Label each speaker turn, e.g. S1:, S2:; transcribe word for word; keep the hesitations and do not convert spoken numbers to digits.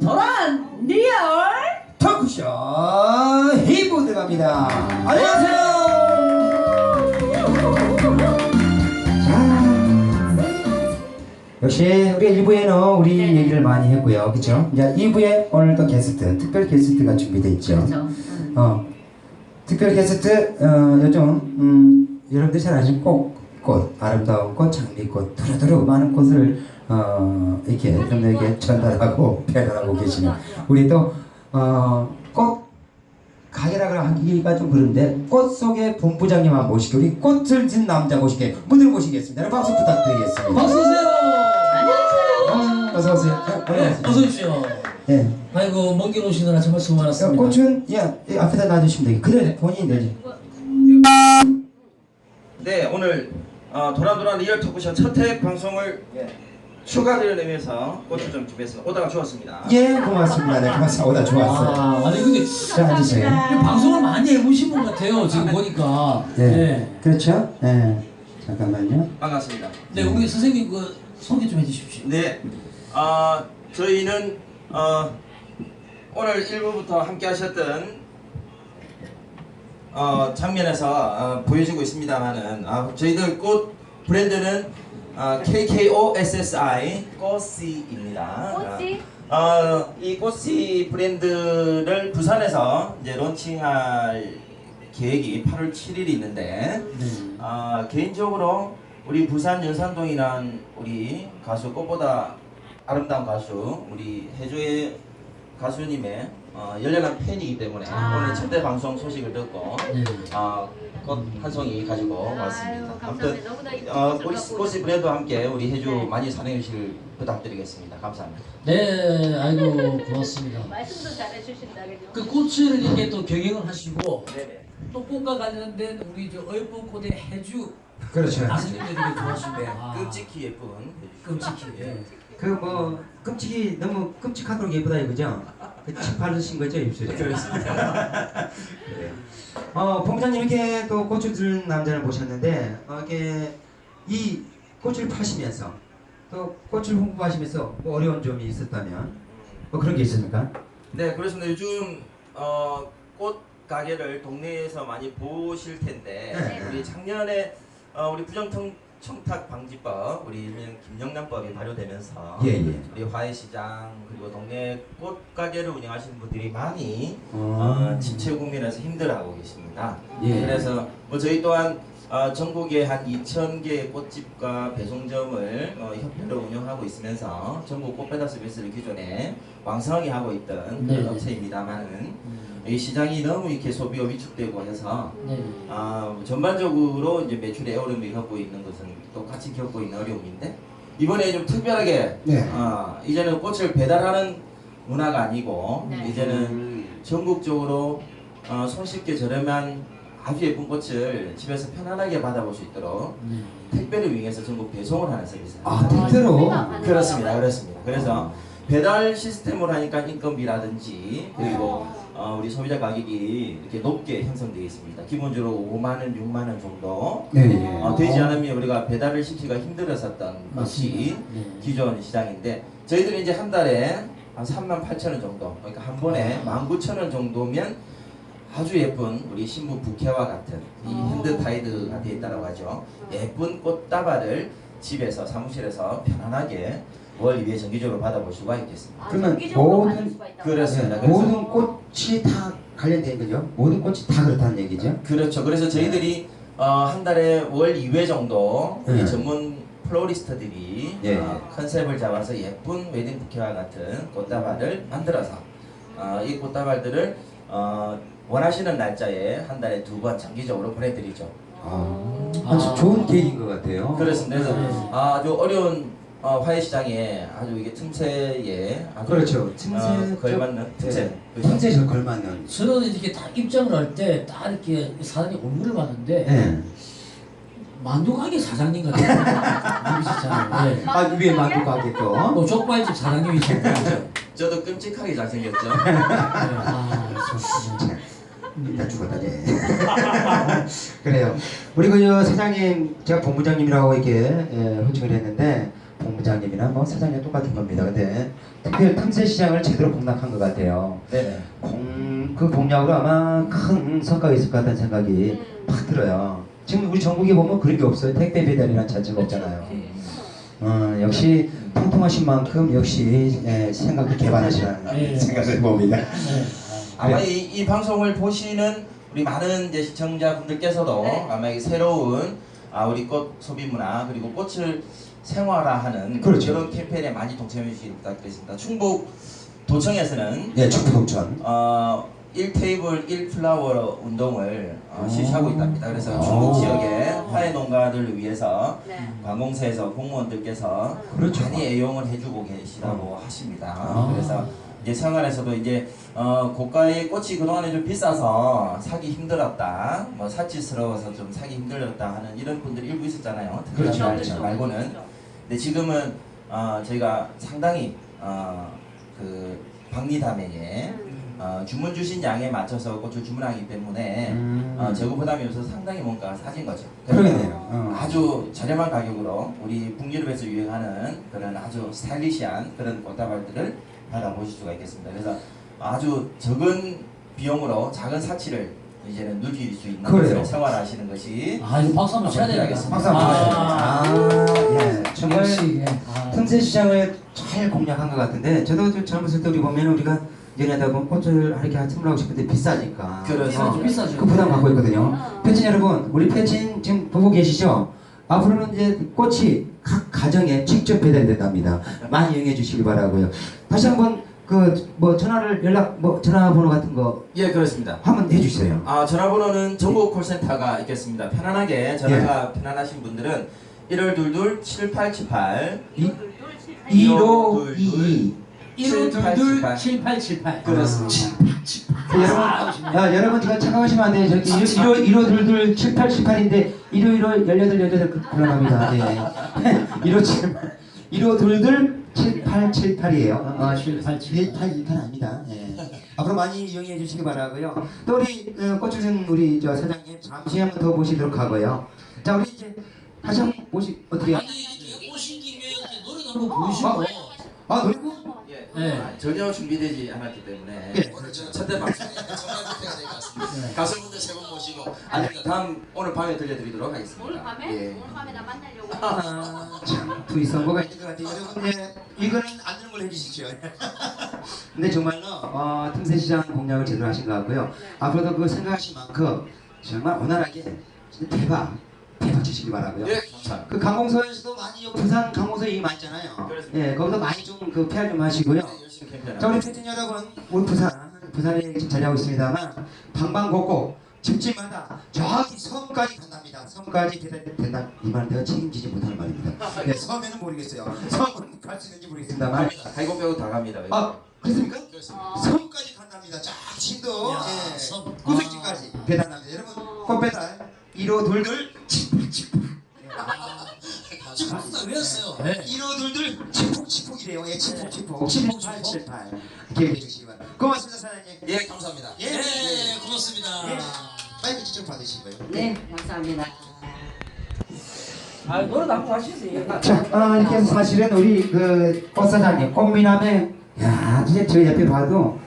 S1: 도란 리얼
S2: 토크쇼 이 부 들어갑니다. 안녕하세요. 역시 우리 일 부에는 우리 네. 얘기를 많이 했고요, 그렇죠? 이제 이 부에 오늘도 게스트, 특별 게스트가 준비되어 있죠.
S1: 그렇죠.
S2: 어, 특별 게스트 어, 요즘 음, 여러분들 잘 아시는 꽃, 꽃, 아름다운 꽃, 장미꽃, 두루두루 많은 꽃을 어, 이렇게 여러분들에게 전달하고 배달하고 계시는 우리 또 어, 꽃 가게라고 하기가 좀 그런데 꽃 속의 본부장님 한번 모시고 우리 꽃을 진 남자 모시게 무대를 모시겠습니다. 박수 부탁드리겠습니다.
S3: 박수 주세요.
S2: 아, 어서 오세요.
S3: 네, 어서 오십시오.
S2: 예.
S3: 아이고 먼 길 오시느라 정말 수고 많았습니다.
S2: 꽃은 예, 앞에다 놔주시면 되겠. 그래 본인이 내지.
S4: 네, 오늘 어, 도란도란 리얼 토크쇼 첫 회 방송을 예, 축하드리는 의미에서 꽃을 좀 준비했습니다. 오다가 주었습니다.
S2: 예, 고맙습니다. 네, 고맙습니다. 오다 좋았어.
S3: 아, 아니 근데
S2: 자, 앉으세요.
S3: 방송을 많이 해보신 분 같아요. 지금 보니까.
S2: 네,
S3: 네.
S2: 그렇죠. 네, 잠깐만요.
S4: 반갑습니다.
S3: 네, 우리 선생님 그 소개 좀 해주십시오.
S4: 네, 어, 저희는 어, 오늘 일 부부터 함께 하셨던 어, 장면에서 어, 보여주고 있습니다만은 어, 저희들 꽃 브랜드는 어, 케이케이오에스에스아이 꽃씨입니다.
S1: 꽃씨?
S4: 어, 이 꽃씨 브랜드를 부산에서 이제 론칭할 계획이 팔월 칠일이 있는데
S3: 네.
S4: 어, 개인적으로 우리 부산 연산동이란 우리 가수 꽃보다 아름다운 가수 우리 해조의 가수님의 어, 열렬한 팬이기 때문에
S1: 아.
S4: 오늘 첫 대 방송 소식을 듣고
S3: 네.
S4: 어, 꽃 한 송이 가지고 왔습니다.
S1: 아유,
S4: 아무튼
S1: 너무나
S4: 어,
S1: 이쁜
S4: 우리
S1: 꽃을
S4: 꽃씨 브랜드와 함께 우리 해주
S1: 네.
S4: 많이 사랑해 주실 부탁드리겠습니다. 감사합니다.
S3: 네, 아이고 고맙습니다.
S1: 말씀도 잘해주신다 그죠?
S3: 그 꽃을 이렇게 또 경영을 하시고
S4: 네네.
S3: 또 꽃과 관련된 우리 저 어이쁜 꽃의 해주
S2: 그렇죠.
S3: 가수님들이 좋아하시는데 아,
S4: 끔찍히 예쁜
S3: 끔찍히. 예.
S2: 그 뭐 끔찍이 너무 끔찍하도록 예쁘다 이거죠? 그침 바르신 거죠 입술에?
S4: 그렇습니다.
S2: 네. 어, 본부장님 이렇게 또 꽃을 들은 남자를 모셨는데 어, 이게 이 꽃을 파시면서 또 꽃을 홍보하시면서 뭐 어려운 점이 있었다면 뭐 그런 게 있습니까?
S4: 네, 그렇습니다. 요즘 어, 꽃 가게를 동네에서 많이 보실 텐데
S2: 네.
S4: 우리 작년에 어, 우리 부정청 청탁 방지법, 우리 일명 김영란법이 발효되면서
S2: 예, 예.
S4: 우리 화훼시장 그리고 동네 꽃 가게를 운영하시는 분들이 많이
S2: 어.
S4: 어, 집체 국면에서 힘들어하고 계십니다.
S2: 예.
S4: 그래서 뭐 저희 또한 어, 전국에 한 이천 개의 꽃집과 배송점을 어, 협회로 운영하고 있으면서 전국 꽃배달 서비스를 기존에 왕성하게 하고 있던 그런
S3: 네.
S4: 업체입니다만은
S3: 음,
S4: 이 시장이 너무 이렇게 소비가 위축되고 해서
S3: 네.
S4: 아, 전반적으로 이제 매출의 어려움을 겪고 있는 것은 똑같이 겪고 있는 어려움인데 이번에 좀 특별하게
S2: 네.
S4: 어, 이제는 꽃을 배달하는 문화가 아니고
S1: 네.
S4: 이제는 전국적으로 어, 손쉽게 저렴한 아주 예쁜 꽃을 집에서 편안하게 받아볼 수 있도록
S3: 네.
S4: 택배를 이용해서 전국 배송을 하는 서비스입니다.
S2: 아, 택배로?
S4: 그렇습니다, 그렇습니다. 그래서 배달 시스템으로 하니까 인건비라든지 그리고 어, 우리 소비자 가격이 이렇게 높게 형성되어 있습니다. 기본적으로 오만 원, 육만 원 정도
S2: 네, 예.
S4: 어, 되지 않으면 우리가 배달을 시키기가 힘들었었던 것이
S3: 네.
S4: 기존 시장인데 저희들이 이제 한 달에 한 삼만 팔천 원 정도 그러니까 한 번에 만 구천 원 정도면 아주 예쁜 우리 신부 부케와 같은 이 핸드타이드가 되어 있다고 하죠. 예쁜 꽃다발을 집에서 사무실에서 편안하게 월 이 회 정기적으로 받아볼 수가 있겠습니다.
S1: 아,
S2: 그러면
S1: 정기적으로
S2: 모든-
S1: 받을 수가 있다고.
S4: 그렇습니다.
S2: 네,
S4: 그래서-
S2: 모든 꽃이 다 관련된 거죠? 모든 꽃이 다 그렇다는 얘기죠?
S4: 그렇죠. 그래서 저희들이 어, 한 달에 월 이 회 정도 우리
S2: 네.
S4: 전문 플로리스트들이
S2: 예.
S4: 어, 컨셉을 잡아서 예쁜 웨딩 부케와 같은 꽃다발을 만들어서 어, 이 꽃다발들을 어, 원하시는 날짜에 한 달에 두 번 정기적으로 보내드리죠.
S2: 아, 아주 좋은 계획인 것 같아요.
S4: 그렇습니다. 그래서
S3: 네.
S4: 아주 어려운 어, 화훼시장에 아주 이게 틈새에 아주
S2: 그렇죠. 틈새
S4: 어, 걸맞는 틈새.
S2: 네.
S4: 그렇죠?
S2: 틈새 저 걸맞는.
S3: 저는 이렇게 딱 입장을 할 때 딱 이렇게 사장님 얼굴을 봤는데
S2: 네.
S3: 만두 가게 사장님 같은 분이시잖아요. 네.
S2: 아, 위에 만두 가게 또.
S3: 뭐 족발집 사장님이시죠.
S4: 저도 끔찍하게 잘생겼죠.
S3: 네. 아, 좋습니다.
S2: 일단 죽었다, 네. 그래요. 우리 그 사장님, 제가 본부장님이라고 이렇게 예, 호칭을 했는데 본부장님이나 뭐 사장님 똑같은 겁니다. 근데 특별 틈새 시장을 제대로 공략한 것 같아요.
S4: 네네.
S2: 공, 그 공략으로 아마 큰 성과가 있을 것 같다는 생각이 팍 들어요. 지금 우리 전국에 보면 그런 게 없어요. 택배 배달이라는 자체가 없잖아요. 어, 역시 통통하신 만큼 역시 예, 생각도 개발하시라는
S3: 네.
S2: 생각을 해봅니다.
S3: 네.
S4: 아마 이, 이 방송을 보시는 우리 많은 이제 시청자분들께서도
S1: 네.
S4: 아마 이 새로운 아, 우리 꽃 소비 문화 그리고 꽃을 생활화하는
S2: 그렇죠.
S4: 그런 캠페인에 많이 동참해 주시기 부탁드리겠습니다. 충북 도청에서는
S2: 예, 충북동천.
S4: 어, 일 테이블 일 플라워 운동을 어,
S2: 오.
S4: 실시하고 있답니다. 그래서
S2: 오.
S4: 충북 지역의 화훼 농가들을 위해서
S1: 네.
S4: 관공서에서 공무원들께서
S2: 그렇죠.
S4: 많이 애용을 해주고 계시다고 하십니다.
S2: 아.
S4: 그래서 이제 생활에서도 이제 어, 고가의 꽃이 그동안에 좀 비싸서 사기 힘들었다, 뭐 사치스러워서 좀 사기 힘들었다 하는 이런 분들이 일부 있었잖아요. 특별한
S2: 그렇죠,
S4: 날
S2: 그렇죠.
S4: 말고는. 근데 지금은 어, 저희가 상당히 어, 그 박리담에게 어, 주문 주신 양에 맞춰서 꽃을 주문하기 때문에
S2: 음.
S4: 어, 재고 부담이 없어서 상당히 뭔가 싸진 거죠.
S2: 그러겠네요. 어.
S4: 아주 저렴한 가격으로 우리 북유럽에서 유행하는 그런 아주 스타일리시한 그런 꽃다발들을 받아보실 수가 있겠습니다. 그래서 아주 적은 비용으로 작은 사치를 이제는 누릴 수 있는
S2: 그래요.
S4: 것을 생활하시는 것이
S3: 아 이거 박수 한번 쳐야 되겠습니다.
S4: 박수 한번
S2: 아, 예. 정말
S3: 역시 예. 아,
S2: 틈새 시장을 잘 공략한 것 같은데 저도 좀 젊었을 때 우리 보면 우리가 연애하다 보면 꽃을 이렇게 선물하고 하고 싶은데 비싸니까
S4: 그렇죠.
S2: 어,
S3: 비싸죠.
S2: 그 부담 갖고 있거든요. 패친 여러분, 우리 패친 지금 보고 계시죠? 앞으로는 이제 꽃이 각 가정에 직접 배달이 된답니다. 많이 이용해 주시기 바라고요. 다시 한번 그 뭐 전화를 연락 뭐 전화번호 같은 거
S4: 예 그렇습니다.
S2: 한번 해주세요.
S4: 아 전화번호는 전국 콜센터가 있겠습니다. 편안하게 전화가 편안하신 분들은 일월둘둘 칠팔칠팔
S2: 일오이이
S3: 일오이이 칠팔칠팔
S4: 그렇습니다.
S2: 여러분, 아, 여러분 지금 착각하시면 안 돼요. 저기 일오 일오둘둘 칠팔칠팔인데 일오일오 열여덟 열여덟 그러합니다. 예. 일오칠팔 일오둘둘 칠팔칠팔이에요. 어, 칠팔칠팔 아닙니다. 예. 앞으로 많이 이용해 주시기 바라고요. 또 우리 어, 꽃주신 우리 저 사장님 잠시 한번 더 모시도록 하고요. 자 우리 이제 다시 한번 모시 어떻게?
S3: 아니 이렇게 오신 김에 이렇게 노래 한번 보여주고
S2: 아 노래고?
S4: 예,
S3: 네.
S4: 아, 전혀 준비되지 않았기 때문에
S2: 예.
S4: 오늘 저는 첫대 방송에 정말 부탁이 될것 같습니다.
S3: 네.
S4: 가수분들 세 분 모시고 아닙니다. 다음 오늘 밤에 들려드리도록 하겠습니다.
S1: 오늘 밤에?
S4: 예.
S1: 오늘 밤에 나 만나려고.
S2: 아, 참 두이선거가 있는 것 같아요. 여러분, 예, 이거는 안 되는 걸로 해주시죠. 근데 정말로 어, 틈새 시장 공략을 제대로 하신 것 같고요.
S1: 네.
S2: 앞으로도 그 생각하신 만큼 정말 원활하게 진짜 대박, 대박 치시기 바라고요.
S4: 예, 감사합니다.
S2: 그 강공서에서도 많이 부산 강공서 얘기 많잖아요.
S4: 그렇습니다.
S2: 예, 거기서 많이 좀 그 피알 좀 하시고요.
S4: 네, 열심히 캠페인
S2: 자 우리 팬 여러분, 우리 부산 부산에 지금 자리하고 있습니다만 방방곡곡 집집마다 저기 섬까지 간답니다. 섬까지 배달이 된다. 이 말은 내가 책임지지 못하는 말입니다. 네, 섬에는 모르겠어요. 섬은 갈 수 있는지 모르겠습니다만.
S4: 갈고 빼고 다 갑니다.
S2: 아, 그렇습니까?
S4: 그렇습니다.
S2: 섬까지 간답니다. 쫙 신도
S3: 야,
S2: 예,
S3: 섬.
S2: 구석지까지 배달합니다. 여러분 꽃배달 일오둘둘 칠팔칠팔
S3: 지금 박수가 왜였어요? 네.
S2: 일오둘둘 칠폭칠폭이래요. 예, 칠폭칠폭 칠팔칠팔 기억해 주시기 바랍니다. 고맙습니다 사장님.
S4: 예, 감사합니다.
S2: 예,
S3: 네,
S2: 예.
S3: 고맙습니다.
S2: 예. 마이크 직접 받으시고요.
S5: 네, 감사합니다.
S3: 아 노래도 한번 하시세요.
S2: 자, 어, 이렇게 해서 사실은 우리 그 꽃사장님, 꽃미남의 야, 진짜 저 옆에 봐도